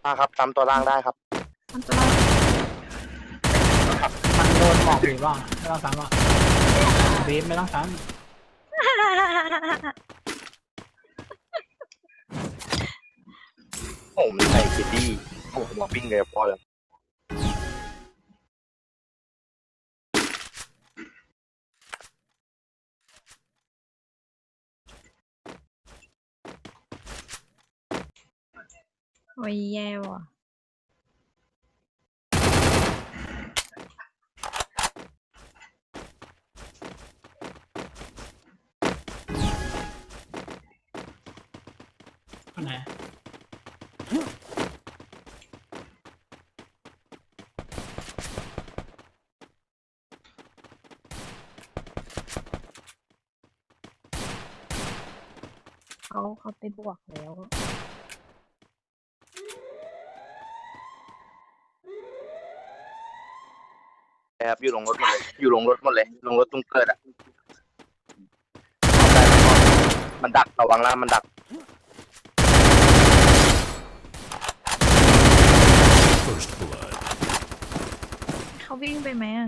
ครับซ้ำตัวล่างได้ครับทำตัวเรามันโดนหมอกหรือเปล่าไม่ต้องซ้ำหรอกบีมไม่ต้องซ้ผมใส่คิดดี้ผมบอกปิ้งเลยพอเลยโอ้ยแย่ว่ะำคนไหนเขาไปบวกแล้วครับอยู่ลงรถหมดเลยอยู่ลงรถหมดเลยลงรถตรงเกิดอ่ะมันดักระวังล่างมันดัก First blood. เขาวิ่งไปไหมอ่ะ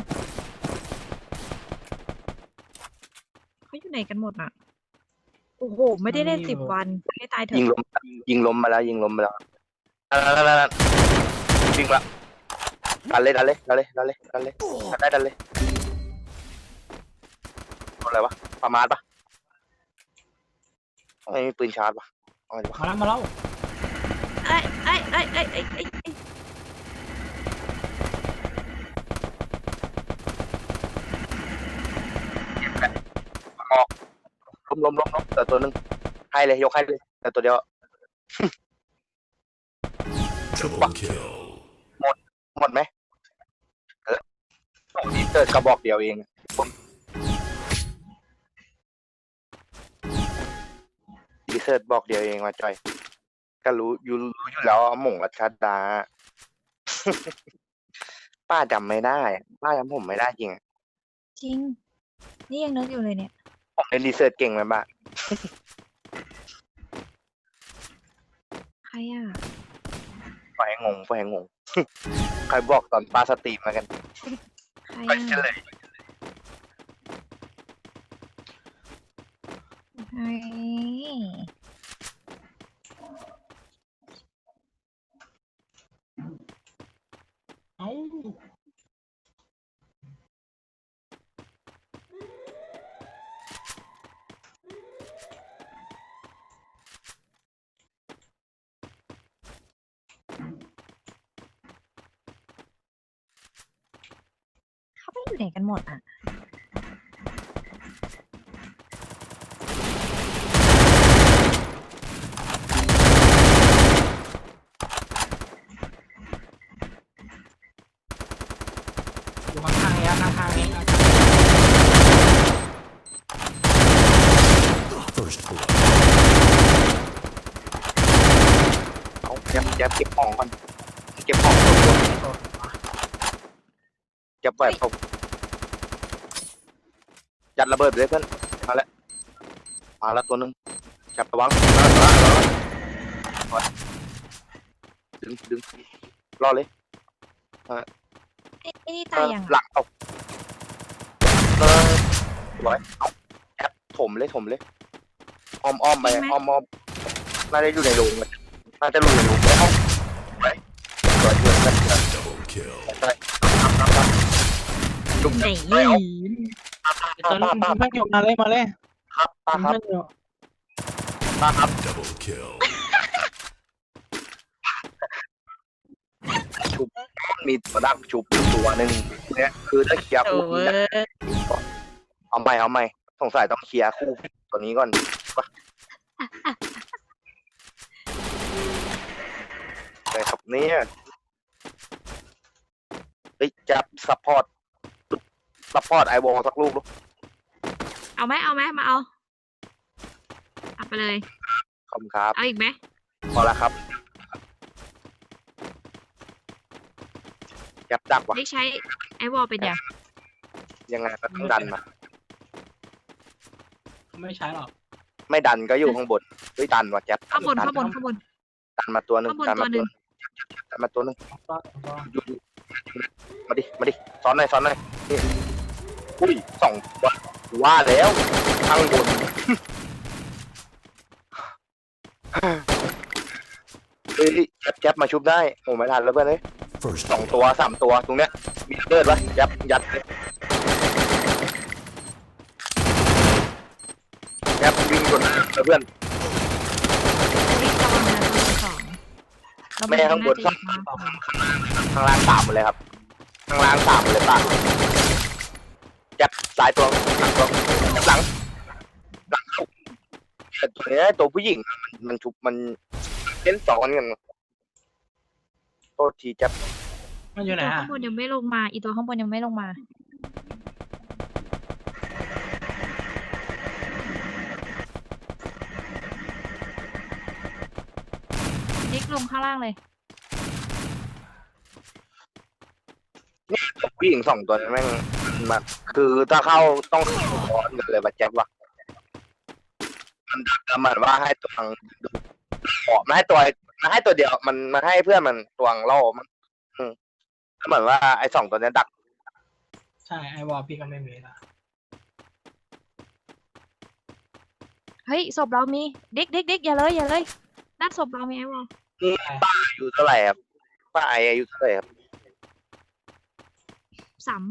เขาอยู่ไหนกันหมดอ่ะโอ้โหไม่ได้เล่น10 วันให้ตายเถยิงอะล้มยิงล้มมาแล้วยิงล้มมาแล้วนั่นวิ่งละดันเลยดันเลยดันเลยดันเลยดันเลยดันได้ดันเลยอะไรวะประมาทปะไม่มีปืนชาร์จปะอะไรวะมาแล้วไอ้ออกล้มแต่ตัวนึงให้เลยยกให้เลยแต่ตัวเดียว Double kill. หมดไหมนี่เกิดกระบอกเดียวเองดีเซิร์ตบอกเดียวเองว่าจอยก็รู้อยู่แล้วหม่งรัชดา ป้าจำไม่ได้ป้าจำผมไม่ได้จริงจริงนี่ยังนึกอยู่เลยเนี่ยผมเล่นดีเซิร์ตเก่งไหมบ้าใครอ่ะปล่อยให้งง ใครบอกตอนป้าสตรีมมากันใครไปอ่ะเฉลยใครเอ้าเขาไปอยู่ไหนกันหมดอ่ะอยู่ข้างๆนี้ข้างๆนี้ First blood. เอาเก็บของก่อนเก็บของตัวเก็บแบบผมยัดระเบิดเลยเพื่อนมาแล้วตัวนึงจับระวังดึงรอเลยไอ้นี่ตายยังหลังเอาร้อยเอาแอปถมเลยอ้อมไปอ้อมน่าจะอยู่ในโรงเลยน่าจะอยู่ในโรงแล้วไปร้อยเพื่อน Double kill. จุ่มไหนตอนนี้มันไม่อยู่มาเลยครับป้ามันครับไม่อยู่ป้าครับ Double kill. ชุบมีตัวดักชุบตัวหนึ่งเนี่ยคือถ้าเคลียร์โอ้คู่ยเอาใหม่สงสัยต้องเคลียร์คู่ตัวนี้ก่อนป่ะอะไรครับเนี่ยเฮ้ยจับซัพพอร์ตไอวอลสักลูกลูกเอาไหมมาเอาไปเลยขอบคุณครับเอาอีกไหมพอแล้วครับจับดักว่ะได้ใช้ไอวอลเป็นยังยังไงก็ต้องดันมาไม่ใช้หรอกไม่ดันก็อยู่ข้างบนเฮ้ยดันว่ะแจ๊บข้างบนดันมาตัวหนึ่งข้างบนดันมาตัวหนึ่งมาตัวนึงตัวอยู่มาดิมาดิซ้อนหน่อยนี่อุ้ยสองตัวว่าแล้วข้างบนเฮ้ยแจ๊บมาชุบได้โอ้ไม่ทันแล้วเพื่อนเลย First สองตัวสามตัวตรงเนี้ยมีเลือดวะยัดเลยวิ่งกดเพื่อนวิ่งระวังนะตัวสองเราแม่ข้างบนน่าจะอยู่ข้างล่างข้างล่างสามหมดเลยครับข้างล่างสามหมดเลยป่ะยัดสายตัวหลังตัวยัดหลังเข้าแต่ตัวเนี้ยตัวผู้หญิงมันชุบมันเล่นสองกันโทษทีจับมันอยู่ไหนตัวอ่ะข้างบนยังไม่ลงมา อีตัวข้างบนยังไม่ลงมานิกลงข้างล่างเลยผู้หญิงสองตัวนี้แม่งมาคือถ้าเข้าต้องร้อนกันเลยมาแจ็บว่ะมันดักกันเหมือนว่าให้ตัวขอมาให้ตัวเดียวมันมาให้เพื่อนมันตัวล่อมันเหมือนว่าไอ้สองตัวนี้ดักใช่ไอวอลพี่ก็ไม่มีละเฮ้ยศพเรามีเด็กอย่าเลยนัดศพเรามีไอ้วอลอายุเท่าไหร่ครับป้าไออายุเท่าไหร่ครับสาม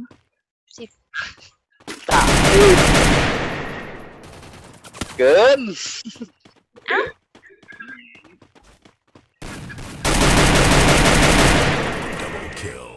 สามเกิน double kill.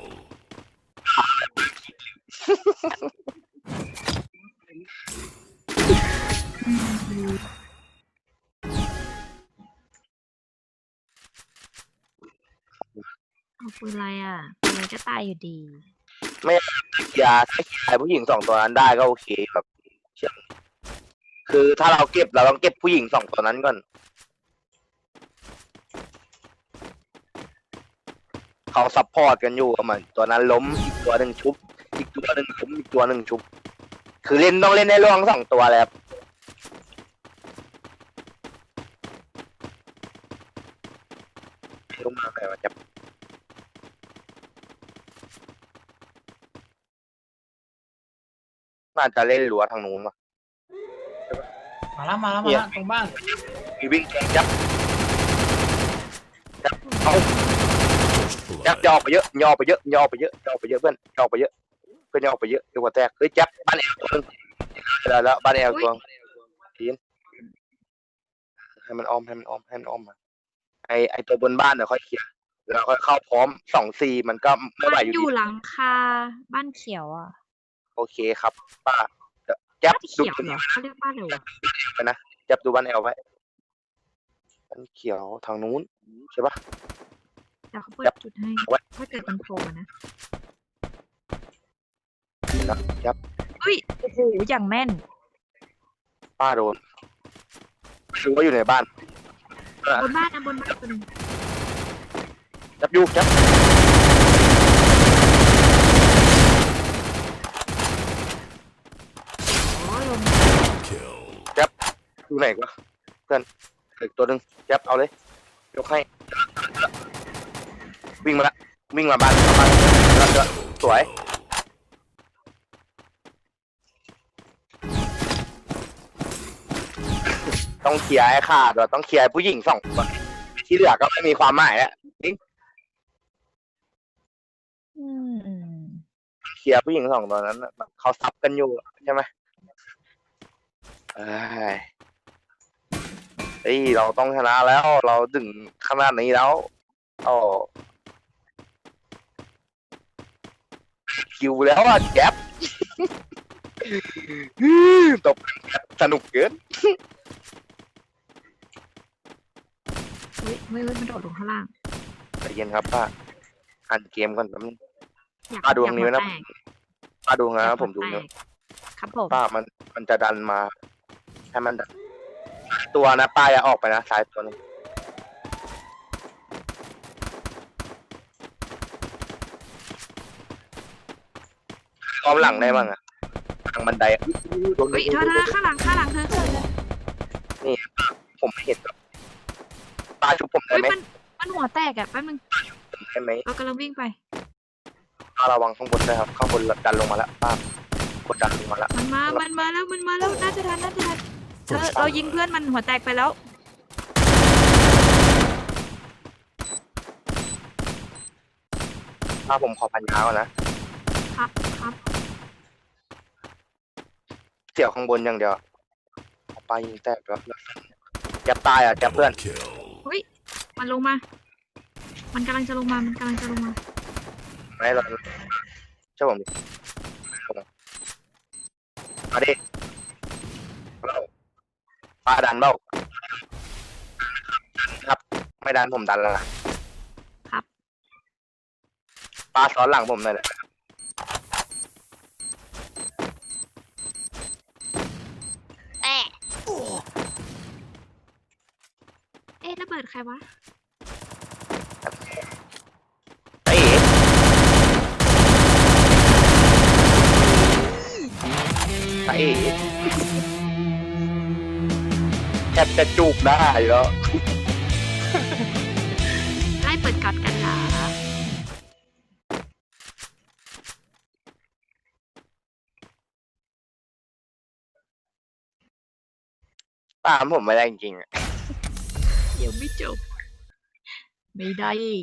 เอาปืนอะไรอ่ะปืนอะไรก็ตายอยู่ดียาถ้าขายผู้หญิงสองตัวนั้นได้ก็โอเคครับเชื่อคือถ้าเราเก็บเราต้องเก็บผู้หญิงสองตัวนั้นก่อนเขาซัพพอร์ตกันอยู่กับมันตัวนั้นล้มอีกตัวหนึ่งชุบอีกตัวหนึ่งล้มอีกตัวหนึ่งชุบคือเล่นต้องเล่นในร่องสองตัวแล้วลงมาไปว่าจะน่าจะเล่นรั้วทางนู้นว่ะมาแล้วตรงบ้านมีวิ่งแข่งจับเอา First จับ blood. ย่อไปเยอะย่อไปเยอะย่อไปเยอะย่อไปเยอะเพื่อนย่อไปเยอะเพื่อนย่อไปเยอะเดี๋ยวหัวแตกเฮ้ยจับบ้านแอลตัวนึงแล้วบ้านแอลตัวทีนให้มันอ้อมมาไอตัวบนบ้านเดี๋ยวค่อยเคลียร์แล้วค่อยเข้าพร้อม2-4มันก็ไม่ไหวมันอยู่อยู่ดีหลังคาบ้านเขียวอ่ะโอเคครับป้าจับบ้านดูเขียวเหรอเขาเรียกบ้านอะไรวะไปนะจับดูบ้านแอลไว้บ้านเขียวทางนู้นใช่ปะเดี๋ยวเขาเปิดจับจุดให้ไว้ถ้าเกิดมันโผล่มานะจับเฮ้ยโอ้โหอย่างแม่นป้าโดนรู้ว่าอยู่ในบ้านบนบ้านนะบนบ้านตัวหนึงจับอยู่จับอ๋อลง Kill. อยู่ไหนวะเพื่อนอีกตัวหนึ่งจับเอาเลยยกให้วิ่งมาละวิ่งมาบ้านแล้วก็สวยต้องเคลียร์ให้ขาดเราต้องเคลียร์ผู้หญิงสองคนที่เหลือก็ไม่มีความหมายแล้วอืมเคลียร์ผู้หญิงสองตัวนั้นน่ะเขาซับกันอยู่ใช่ไหมเฮ้ยเราต้องชนะแล้วเราถึงขนาดนี้แล้วอ๋อคิวแล้วอ่ะแก๊ป ตบสนุกเกินเฮ้ยมันโดดลงข้างล่างใจเย็นครับป้าอ่านเกมก่อนแป๊บนึงอยากป้าดูตรงนี้ไว้นะอยากหัวแตกป้าดูอยานะกผมดูหัวแตนะกครับผมป้ามันจะดันมาให้มันดันตัวนะป้าอย่าออกไปนะซ้ายตัวนึงอ้อมหลังได้บ้างอะทางบันไดอะโดนเฮ้ยเธอข้างหลังเธอผมไม่เห็นครับป้าชุบผมได้เฮ้ยไหมมันหัวแตกอ่ะแป๊บนึงได้ไหมเรากำลังวิ่งไประวังข้างบนด้วยครับข้างบนดันลงมาแล้วป้ากดดันลงมาแล้วมันมาแล้วน่าจะทันเรายิงเพื่อนมันหัวแตกไปแล้วป้าผมขอพันยาก่อนนะครับ เสี่ยวข้างบนอย่างเดียวป้ายิงแตกแล้วจะตายอ่ะจะเพื่อน Double kill. เฮ้ยมันลงมา มันกำลังจะลงมาไม่เราเชื่อผมดิมาดิป้าดันเปล่าครับ ไม่ดันผมดันแล้วนะครับ ป้าซ้อนหลังผมหน่อยเลยเอ๊ะระเบิดใครวะเอ้ยเอ้ยแทบจะจูบได้แล้วไล่เปิดกัดกันเหรอตามผมไม่ได้จริงๆอะเดี๋ยวไม่จบ ไม่ได้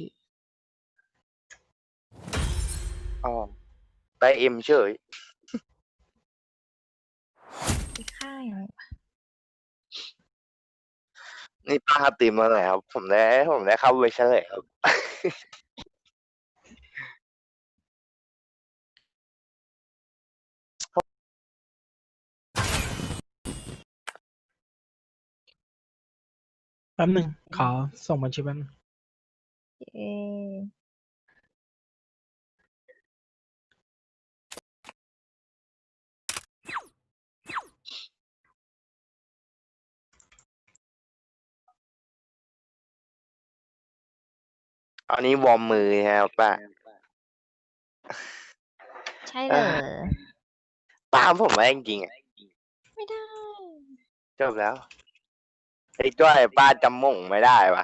อ๋อได้เอ็มเฉยไปฆ่าอย่างไรนี่ป้าตีมาเลยครับ ผมได้เข้าไปเฉลยครับแป๊บหนึ่งขอส่งบัญชีแป๊บนึงเอ๊ะอันนี้วอร์มมือครับป้าใช่เหรอป้าผมไม่ได้จริงๆอะไม่ได้จบแล้วไอ้จ้อยป้าจำม่งไม่ได้ปะ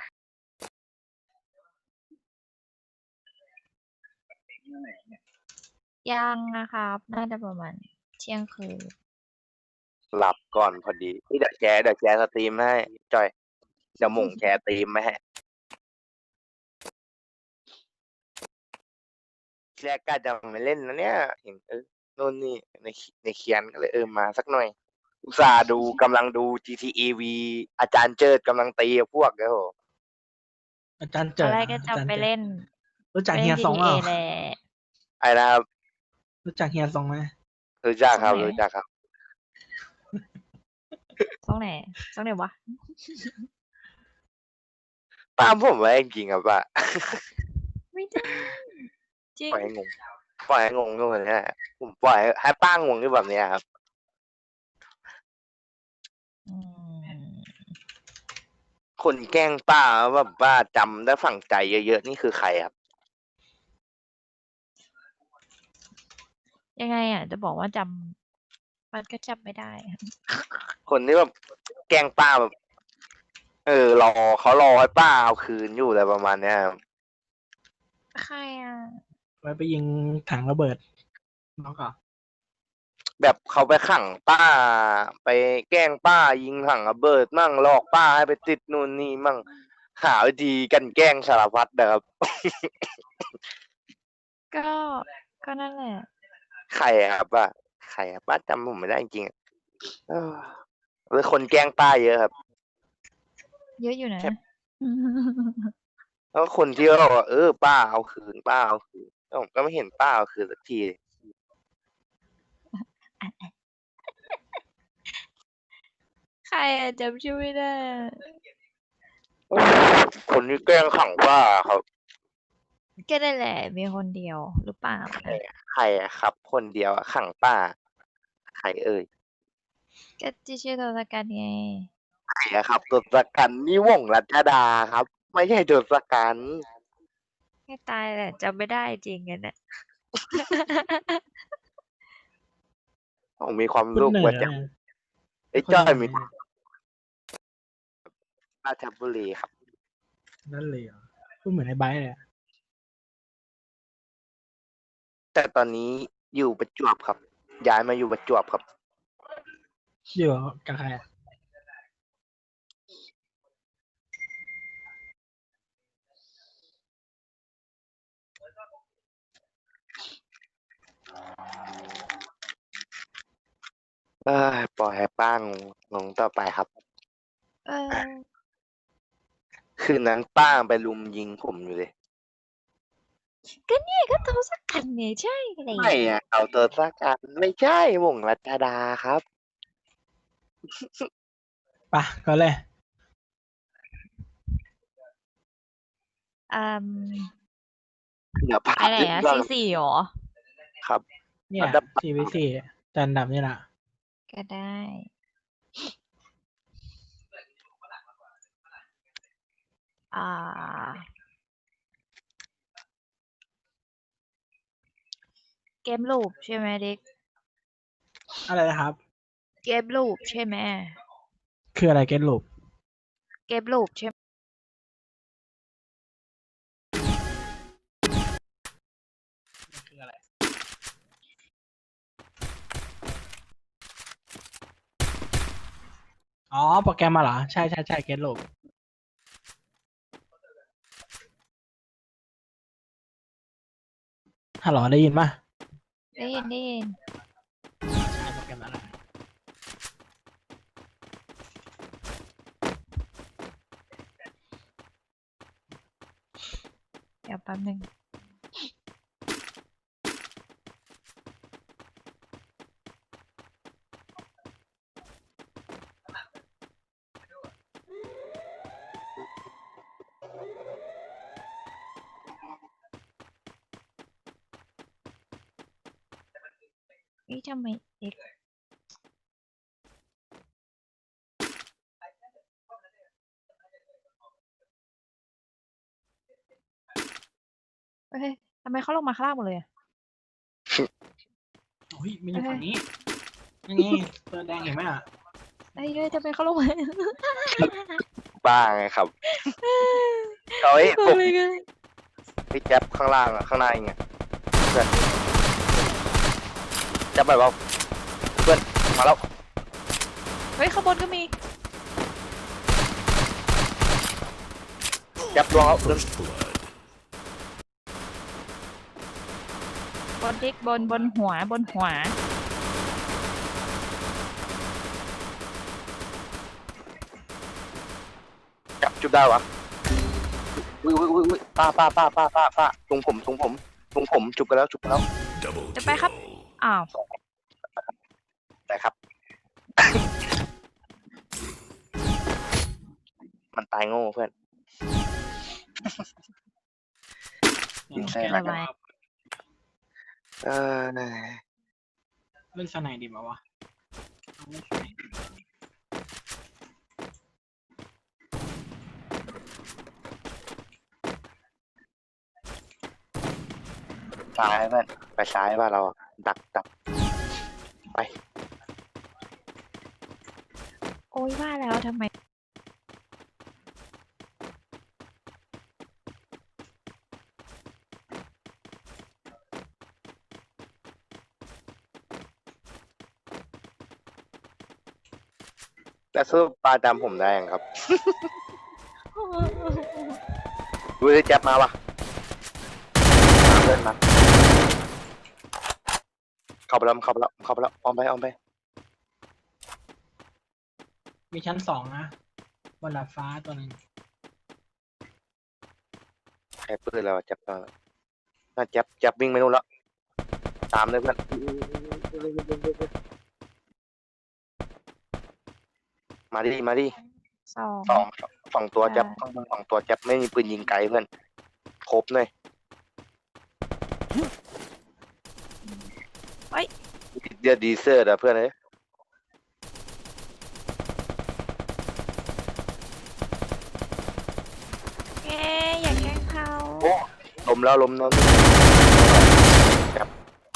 ยังนะครับ น่าจะประมาณเที่ยงคืนหลับก่อนพอดีนี่เดี๋ยวแชร์สตรีมให้จ้อยเดี๋ยวม่งแชร์สตรีมไม่ให้แรกก็จะไม่เล่นนะเนี่ยเห็นโน่นนี่ในเขียนก็เลยมาสักหน่อย อุตส่าห์ดูกำลังดู GTAV อาจารย์เจิดกำลังตีกับพวกเด้ออาจารย์เจิอะดไรก็จะไปเล่นรู้จักเล่เฮีนยซอง GTA เปล่าแหละไอ้นะครับรู้จักเฮียซองไหมรู้จักครับสมัยรู้จักครับช่องไหนวะป้าผมไว้จริงๆครับป้าไม่ได้จริงปล่อยให้งงปล่อยให้งงก็เหมือนนี้แหละผมปล่อยให้ป้างงที่แบบเนี้ยครับอืมคนแกล้งป้าแบบว่าจำได้ฝังใจเยอะๆนี่คือใครครับยังไงอ่ะ จะบอกว่าจำมันก็จำไม่ได้อะคนที่แบบแกล้งป้าแบบรอเขารอให้ป้าเอาคืนอยู่อะไรประมาณเนี้ยครับใครอ่ะไว้ไปยิงถังระเบิดน้องก่อนแบบเขาไปขังป้า ไปแกล้งป้ายิงถังระเบิดมั่งหลอกป้าให้ไปติดนู่นนี่มั่งหาวิธีกันแกล้งสารพัดนะครับก็นั่นแหละใครอะครับป้าใครอะป้าจำผมไม่ได้จริงๆอะหรือคนแกล้งป้าเยอะครับเยอะอยู่นะแล้วคนที่เขาบอกว่าป้าเอาคืนป้าเอาคืนแล้วผมก็ไม่เห็นป้าเอาคืนสักทีใครอ่ะจำชื่อไม่ได้อะคนที่แกล้งขังป้าครับก็ได้แหละ มีคนเดียวหรือเปล่าใครอะครับ คนเดียวอะขังป้า ใครเอ่ยก็ที่ชื่อทศกัณฐ์ไงใครอะครับทศกัณฐ์นี่วงศ์รัชดาครับ ไม่ใช่ทศกัณฐ์ให้ตายแหละจำไม่ได้จริงกันน่ะผมมีความคุณรู้เหนื่อว่าย จะนะไอ้จ้อยมีราชบุรีครับนั่นเลยเหรอพูดเหมือนไอ้ไบร์ทเลยอะแต่ตอนนี้อยู่ประจวบครับ ย้ายมาอยู่ประจวบครับอยู่กับใครอะปล่อยให้ป้างงงต่อไปครับเออคืนนั้นป้างไปลุมยิงผมอยู่เลยก็เนี่ยก็โทรสักกันไงใช่เลยไม่อะเอาตัวสักการไม่ใช่วงรัชดาครับปะก็เลยอืมเดี๋ยวพาอะไรขึ้นอะเรื่อง C4 หรอครับเนี่ยอันดับ 4v4 จันดับนี่แหละก็ได้ อ่า เกมลูปใช่ไหมเด็กอะไรนะครับเกมลูปใช่ไหมคืออะไรเก็ตลูปเกมลูปใช่ไหมคืออะไรอ๋อโปรแกรมมาเหรอใช่ใช่ใช่เก็ตลูปฮัลโหลได้ยินป่ะได้ยินได้ยินใช่โปรแกรมอะไรเดี๋ยวแป๊บนึง นี่ทำไมเด็กเฮ้ยทำไมเขาลงมาข้างล่างหมดเลยอะโอ้ยมันอยู่ฝั่งนี้นี่ไงตัวแดงเห็นไหมอ่ะเฮ้ยทำไมเขาลงมาป้าไงครับ เฮ้ยทำผมไมกันพี่แจ๊บข้างล่างอะข้างในไงเพื่อนแจ๊บไปเปล่าเพื่อนมาแล้วเฮ้ยข้างบนก็มีแจ๊บลวงแล้วเพื่อน First blood. บนดิกบนหัวบนหัวจับจุดได้วะอุ้ยป้าตรงผมจุบกันแล้ว Double จะไปครับ kill. อ้าวแต่ครับ มันตายโง่เพื่อน ใช่อะไรวะเออเล่นสไนด์ดีมาวะเอาเล่นสไนด์ดีกว่าซ้ายเพื่อนไปซ้ายว่าเราอะดักไปโอ้ยว่าแล้วทำไมแล้วสู้ปลาจำผมได้ยังครับ ดูดิแจ๊บมาวะเดินมาเข้าไปแล้วออมไปมีชั้น2นะบนดาดฟ้าตัวหนึ่งใครปืนแล้วอะแจ๊บตอนนั้นน่าแจ๊บวิ่งไปนู่นแล้วตามเลยเพื่อนมาดิสองสองตัวแจ๊บข้างบน2 ตัวแจ๊บไม่มีปืนยิงไกลเพื่อนครบเลยเดือดดีเซอร์อะเพื่อนเอ้ยเอ๊ะอย่าแกล้งเขาล้มแล้วแจ๊บ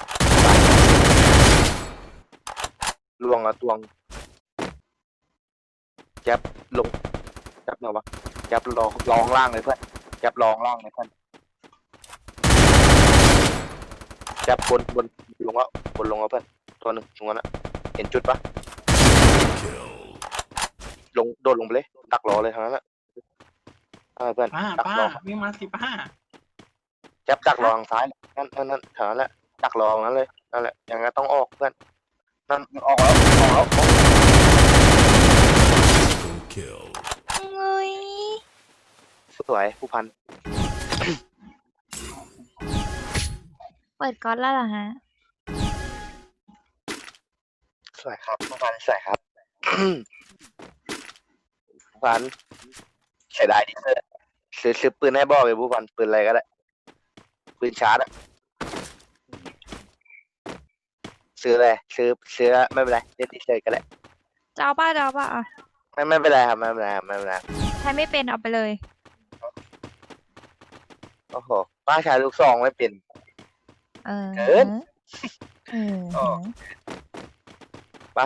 ลวงอะตวงแจ๊บลงแจ๊บมาวะแจ๊บรอล่างเลยเพื่อนแจ๊บรองล่างเลยเพื่อนจับบนลงแล้วบนลงแล้วเพื่อนตัวหนึ่งตรงนั้นอะเห็นจุดปะ Kill. ลงโดดลงไปเลยดักรอเลยทางนั้นอะเพื่อนป้าดักป้ารอวิ่งมาสิป้าแจ็บดักรอทางซ้ายนั่นแถวนั้นแหละดักรอตรงนั้นเลยนั่นแหละอย่างงั้นต้องออกเพื่อนนั่นมันออกแล้วออก Triple kill. เอ้ยสวยผู้พันเปิดก๊อตแล้วเหรอฮะสวยครับผู้พันสวยครับ ผู้พันเสียดายที่ซื้อปืนให้บ่อเลยผู้พันปืนอะไรก็ได้ปืนชาร์จอะซื้อเลยซื้อไม่เป็นไรเล่นเฉยๆก็ได้จะเอาป่ะอ่ะไม่เป็นไรครับไม่เป็นไรครับไม่เป็นไรใช้ไม่เป็นเอาไปเลยโอ้โหป้าชายลูกซองไม่เป็นเออเกินเอออ๋อ ป้า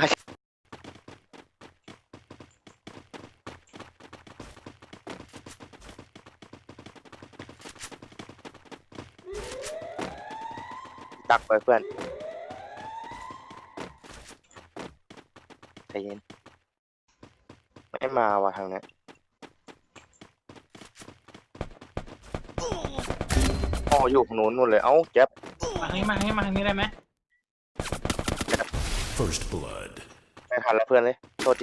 ดักไปเพื่อนใจเย็นไม่มาว่ะทางนี้อ๋ออยู่ข้างนู้นนู่นเลยเอ้าเจ็บมาทางนี้มาทางนี้มาทางนี้ได้ไหม First blood. ไม่ทันแล้วเพื่อนเลยโทษที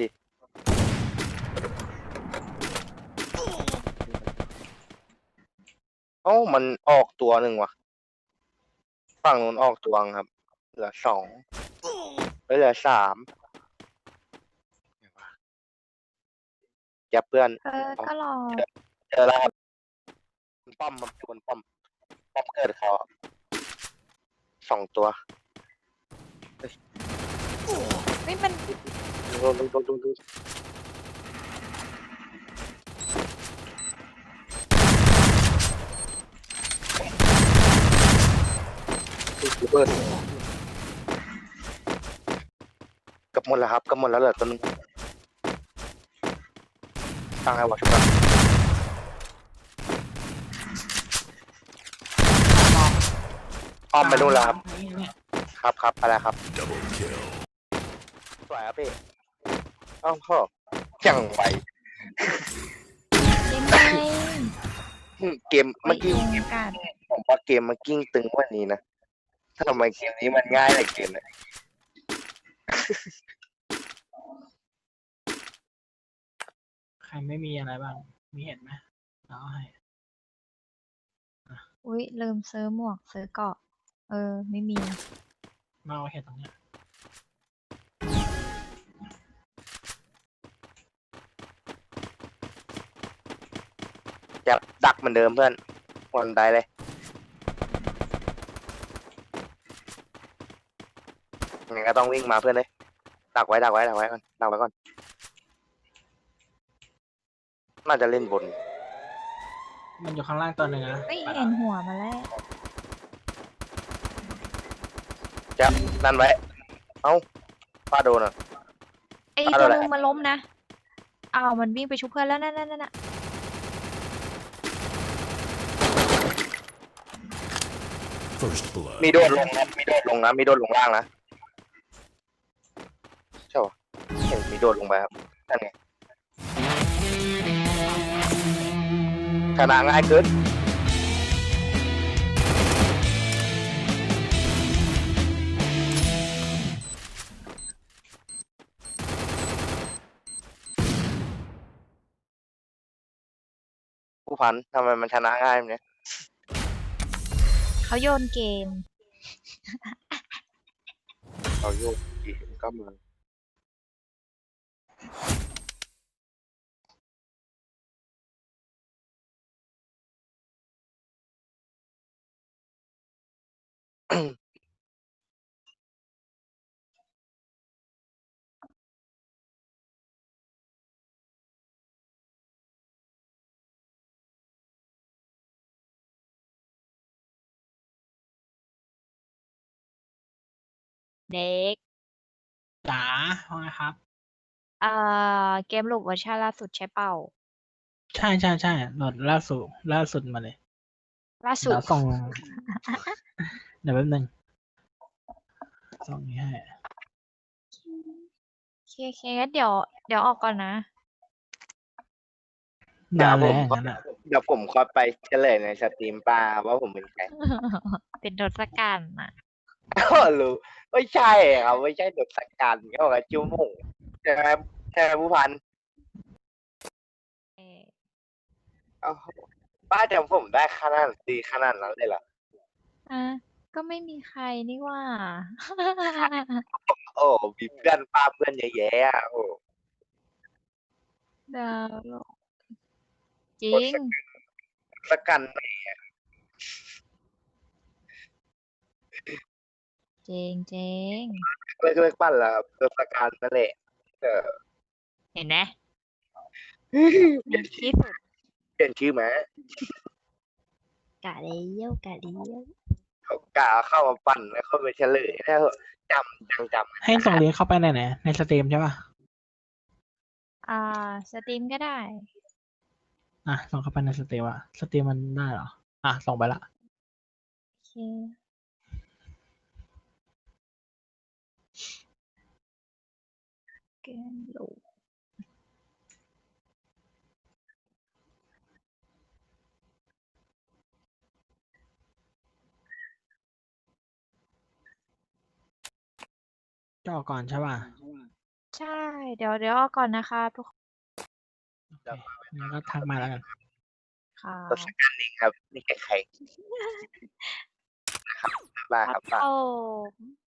เอ้ามันออกตัวหนึ่งว่ะฝั่งนู้นออกตัวนึงครับเหลือ2เหลือ3เจ็บเพื่อนก็รอเจอแล้วครับป้อมมันชวนป้อมเกิดเขา2 ตัวไม่มันดูเบิร์ดกับหมดแล้วครับกับหมดแล้วเหลือตัวนึงตั้งให้วะชุบกันอ้อมไปนู่นแล้วครับทางนี้เนี่ยครับอะไรครับ Double kill. สวยครับพี่เอ้าพ่อยังไวยังไงเกมเมื่อกี้ยุงกัดผมว่าเกมมันกิ้งตึงกว่านี้นะถ้าทำไมเกมนี้มันง่ายเลยเกมเนี่ยใครไม่มีอะไรบ้าง มีเห็นไหมเราให้อุ้ยลืมซื้อหมวกซื้อเกราะ ไม่มีมาเอาเห็ดตรงเนี้ยจะดักเหมือนเดิมเพื่อนวันใดเลยงั้นก็ต้องวิ่งมาเพื่อนเลยดักไว้ก่อนดักไว้ก่อนน่าจะเล่นบนมันอยู่ข้างล่างตัวหนึ่งนะไม่เห็นหัวมาแล้วจะนั่นไว้เอ้าป้าโดนอ่ะไอ้เอาตัวอะไรนึงมันล้มนะอ้าวมันวิ่งไปชุบเพื่อนแล้วนั่น First blood. มีโดดลงนะมีโดดลงล่างนะใช่ปะเห็นมีโดดลงไปครับนั่นไงชนะง่ายเกินผู้พันทำไมมันชนะง่ายแบบเนี้ยเขาโยนเกมเราโยกกี่ก็มือเด็กจ๋าว่าไงครับเกมลูกเวอร์ชันล่าสุดใช่เปล่าใช่โหลดล่าสุดมาเลยล่าสุดเดี๋ยวส่ง เดี๋ยวแป๊บนึงส่องนี้ให้เคงั้นเดี๋ยวออกก่อนนะนานแล้วอย่างนั้นอ่ะเดี๋ยวผมขอไปเฉลยในสตรีมป้าว่าผมเป็นใครเป็นทศกัณฐ์น่ะก็รู้ไม่ใช่ครับไม่ใช่เด็กสักการเขาบอกว่าจิ้วหมุ่งใช่ไหมใช่ไหมผู้พันเอ่อเอ้าป้าจำผมได้ขนาดดีขนาดนั้นเลยเหรออ่ะก็ไม่มีใครนี่ว่าโอ้มีเพื่อนป้าเพื่อนเยอะแยะอะโอ้ดาวโลกจริงสักกันจริงจริงเลิกปั้นแล้วครับเลิกสักการนั่นแหละเออเห็นไหมเปลี่ยนที่สุดเปลี่ยนชื่อไหมกะเลี้ยวกะเลี้ยวเขากะเข้ามาปั้นแล้วเข้าไปเฉลยแล้วจำให้ส่งลิงก์เข้าไปไหนในสตรีมใช่ป่ะสตรีมก็ได้อ่ะส่งเข้าไปในสตรีมอ่ะสตรีมมันได้เหรออ่ะส่งไปละโอเคแกนโหลกจ่อก่อนใช่ป่ะใช่ เดี๋ยวออกก่อนนะคะทุกคนโอเคงั้นก็ทักมาแล้วกันค่ะตัวสักการเองครับนี่ใครๆนะครับบ้าครับบ้าโอ้